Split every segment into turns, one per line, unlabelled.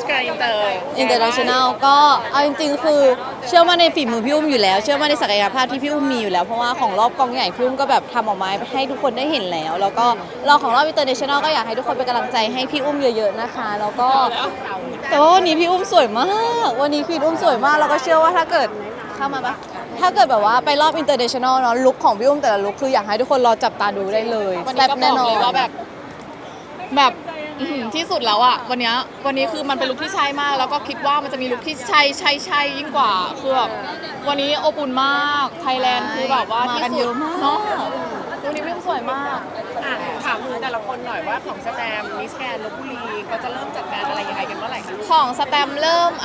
สแกรนด์อินเตอร์
international ก็เอาจริงๆคือเชื่อมั่นในฝีมือพี่อุ้มอยู่แล้วเชื่อมั่นในศักยภาพที่พี่อุ้มมีอยู่แล้วเพราะว่าของรอบกองใหญ่พี่อุ้มก็แบบทำออกมาให้ทุกคนได้เห็นแล้วแล้วก็เราของรอบ international ก็อยากให้ทุกคนเป็นกำลังใจให้พี่อุ้มเยอะๆนะคะแล้วก็แต่ว่าวันนี้พี่อุ้มสวยมากวันนี้พี่อุ้มสวยมากแล้วก็เชื่อว่าถ้าเกิดเข้ามาปะถ้าเกิดแบบว่าไปรอบ international เนาะลุคของพี่อุ้มแต่ละลุคคืออยากให้ทุกคนรอจับตาดูได้เลย
วัน
แซ่
นี้
บ
ก็บ
แน่
อก
นอ
เลย
น
ว่าแบบที่สุดแล้วอ่ะวันนี้คือมันเป็นลุคที่ใช่มากแล้วก็คิดว่ามันจะมีลุคที่ใช่ยิ่งกว่าคือแบบวันนี้อบอุ่นมากไทยแลนด์คือแบบว่า
มา
ที่
กัน
สุ
เย
ด
อะมาก
เนาะวันนี้พี่สวยมาก
อ่ะถามถึงแต่ละคนหน่อยว่าของสแตมมิสแกรนด์ลพบุรีเขาจะเริ่มจัดงานอะไรยังไงกันเมื่อไหร่คะ
ของสแตมป์เริ่ม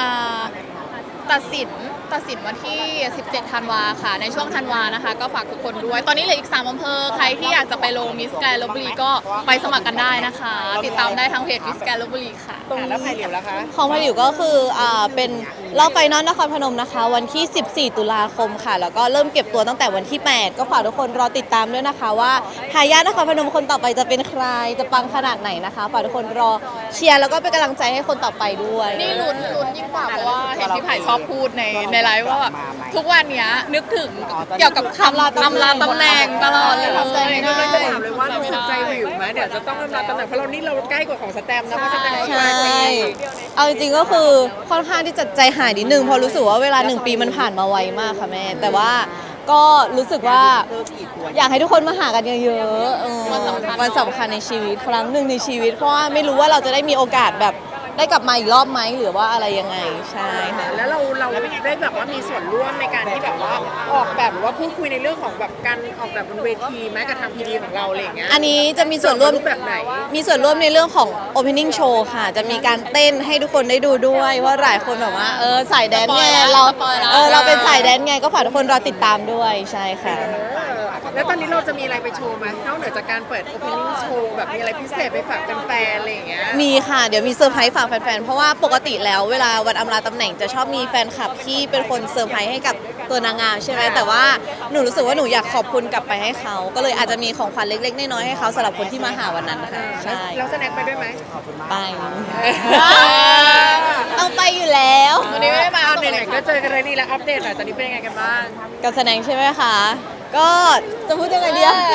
ตัดสินวันที่ 17 ธันวาค่ะ ในช่วงธันวานะคะ ก็ฝากทุกคนด้วย ตอนนี้เหลืออีก 3 อำเภอ ใครที่อยากจะไปลงมิสแกรนด์ลพบุรีก็ไปสมัครกันได้นะคะ ติดตามได้ทางเพจมิสแกรนด์ลพบุรีค่ะ
แล้วไผ่เหลียวล่ะคะ
ของพาริวก็คือเป็นรอบไฟนอลนครพนมนะคะ วันที่ 14 ตุลาคมค่ะ แล้วก็เริ่มเก็บตัวตั้งแต่วันที่ 8 ก็ฝากทุกคนรอติดตามด้วยนะคะว่าทายาทนครพนมคนต่อไปจะเป็นใครจะปังขนาดไหนนะคะฝากทุกคนรอเชียร์แล้วก็เป็นกำลังใจให้คนต่อไปด้วย
นี่ลุ้นยิ่งกว่าเพราะว่าเห็นพี่ไผ่ชอบพูดในไลฟ์ว่าแบบทุกวันเนี้ยนึกถึงเกี่ยวกับคำอำลาตำแหน่งตลอดเลย
ก็เลยจะถามเลยว่ารู้สึกใจวิวไหมเดี๋ยวจะต้องรับตำแหน่งเพราะเราใกล้กว่าของสแตมนะเพราะสแตมก็
ใช่
ปลายปี
เอาจริงๆก็คือค่อนข้างที่จะใจหายนิดนึงเพราะรู้สึกว่าเวลา1 ปีมันผ่านมาไวมากค่ะแม่ แต่ว่าก็รู้สึกว่าอยากให้ทุกคนมาหากันเยอะๆวันสำคัญในชีวิตครั้งหนึ่งในชีวิตเพราะว่าไม่รู้ว่าเราจะได้มีโอกาสแบบได้กลับมาอีกรอบไหมหรือว่าอะไรยังไงใช่ค่ะ
แล้วเราได้แบบว่ามีส่วนร่วมในการที่แบบว่าออกแบบหรือว่าพูดคุยในเรื่องของแบบการออกแบบบนเวทีแม้กระทั่งพีดีของเราอะไรอย่างเงี้ย
อันนี้จะมีส่วนร่วม
รูปแบบไหน
มีส่วนร่วมในเรื่องของ opening show ค่ะ จะมีการเต้นให้ทุกคนได้ดูด้วยว่าหลายคนแบบว่าสายแดนไงเราเป็นสายแดนไงก็ฝากทุกคนรอติดตามด้วยใช่ค่ะ
แล้วตอนนี้เราจะมีอะไรไปโชว์ไหมนอกเหนือจากการเปิด opening show แบบมีอะไรพิเศษไปฝากแฟนๆอะไรอย่างเงี้ย
มีค่ะ เดี๋ยวมีเซอร์ไพรส์ฝากแฟนๆ เพราะว่าปกติแล้วเวลาวันอำลาตำแหน่งจะชอบมีแฟนคลับที่เป็นคนเซอร์ไพรส์ให้กับตัวนางงามใช่ไหมแต่ว่าหนูรู้สึกว่าหนูอยากขอบคุณกลับไปให้เขา ก็เลยอาจจะมีของขวัญเล็กๆน้อยๆให้เขาสำหรับคนที่มาหาวันนั้นค่ะใช่
แล้วสแน็คไปด้วยไหม
ไปต้องไปอยู่แล้ว
วันนี้ไม่ได้มา
เอาไหนๆก็เจอกันเลยนี่แล้วอัปเดตหน่อยตอนนี้เป็นยังไงกันบ้าง
กับแสดงใช่ไหมคะ ก็จะพูดยังไงดีอะ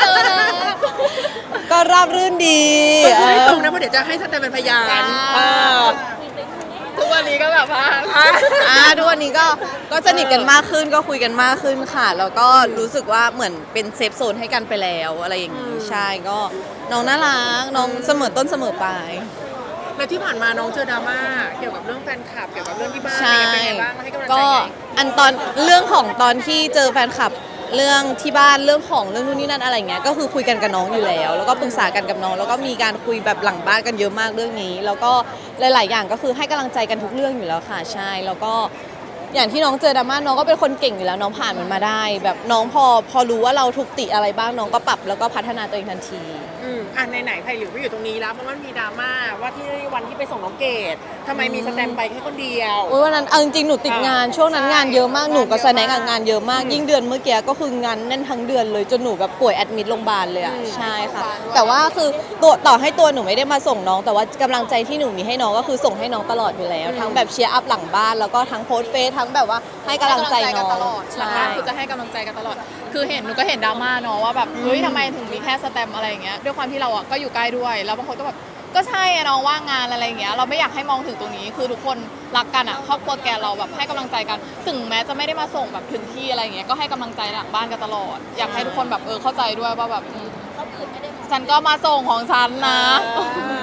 ก็ราบรื่นดี
ต้องพูดให้ตรงนะเพราะเดี๋ยวจะให้สแตมเป็นพยานอ
ทุกวันนี้ก็แบบว่า
ทุกวันนี้ก็สนิทกันมากขึ้นก็คุยกันมากขึ้นค่ะ แล้วก็รู้สึกว่าเหมือนเป็นเซฟโซนให้กันไปแล้วอะไรอย่างนี้ใช่ก็น้องน่ารักน้องเสมอต้นเสมอปลาย
แล้วที่ผ่านมาน้องเจอดราม่าเกี่ยวกับเรื่องแฟนคลับเกี่ยวกับเรื่องที่บ้าน
ใช่
เป็นไงบ้างให้กำลังใจ
ก็
ไง
อันตอนเรื่องของตอนที่เจอแฟนคลับเรื่องที่บ้านเรื่องของเรื่องนู่นนี่นั่นอะไรเงี้ยก็คือคุยกันกับน้องอยู่แล้ว แล้วก็ปรึกษากันกับน้องแล้วก็มีการคุยแบบหลังบ้านกันเยอะมากเรื่องนี้ แล้วก็หลาย ๆ อย่างก็คือให้กำลังใจกันทุกเรื่องอยู่แล้วค่ะใช่แล้วก็อย่างที่น้องเจอดราม่าน้องก็เป็นคนเก่งอยู่แล้วน้องผ่านมันมาได้ แบบน้องพอรู้ว่าเราถูกติอะไรบ้างน้องก็ปรับแล้วก็พัฒนาตัวเองทันที
ไหนๆไผ่หลิวก็อยู่ตรงนี้แล้วเพราะมันมีดราม่าว่าที่วันที่ไปส่งน้องเกดทำไมมีสแตมไปแค่คนเดียว
โอ้ยวันนั้นเอาจริงๆหนูติดงานช่วงนั้นงานเยอะมากหนูกับแสดงงานเยอะมากยิ่งเดือนเมื่อกี้ก็คืองานแน่นทั้งเดือนเลยจนหนูแบบป่วยแอดมิดโรงพยาบาลเลยอ่ะใช่ค่ะแต่ว่าคือต่อให้ตัวหนูไม่ได้มาส่งน้อง แต่ว่ากำลังใจที่หนูมีให้น้องก็คือส่งให้น้องตลอดอยู่แล้ว ทั้งแบบเชียร์อัพหลังบ้านแล้วก็ทั้งโพสต์เฟซทั้งแบบว่าให้กำลังใจน้อง
ตลอด
ใช่
คือจะให้กำลังใจกันตลอด คือหนูก็เห็นดราม่าเนาะว่าแบบเฮ้ยทำไมถึงมีแค่สแตมป์อะไรอย่างเงี้ยด้วยความที่เราอ่ะก็อยู่ใกล้ด้วยแล้วบางคนก็แบบก็ใช่อะน้องว่างงานอะไรอย่างเงี้ยเราไม่อยากให้มองถึงตรงนี้คือทุกคนรักกันอ่ะครอบครัวแกเราแบบให้กำลังใจกันถึงแม้จะไม่ได้มาส่งแบบถึงที่อะไรอย่างเงี้ยก็ให้กำลังใจหลังบ้านกันตลอด อยากให้ทุกคนแบบเข้าใจด้วยว่าแบบฉันก็มาส่งของฉันนะ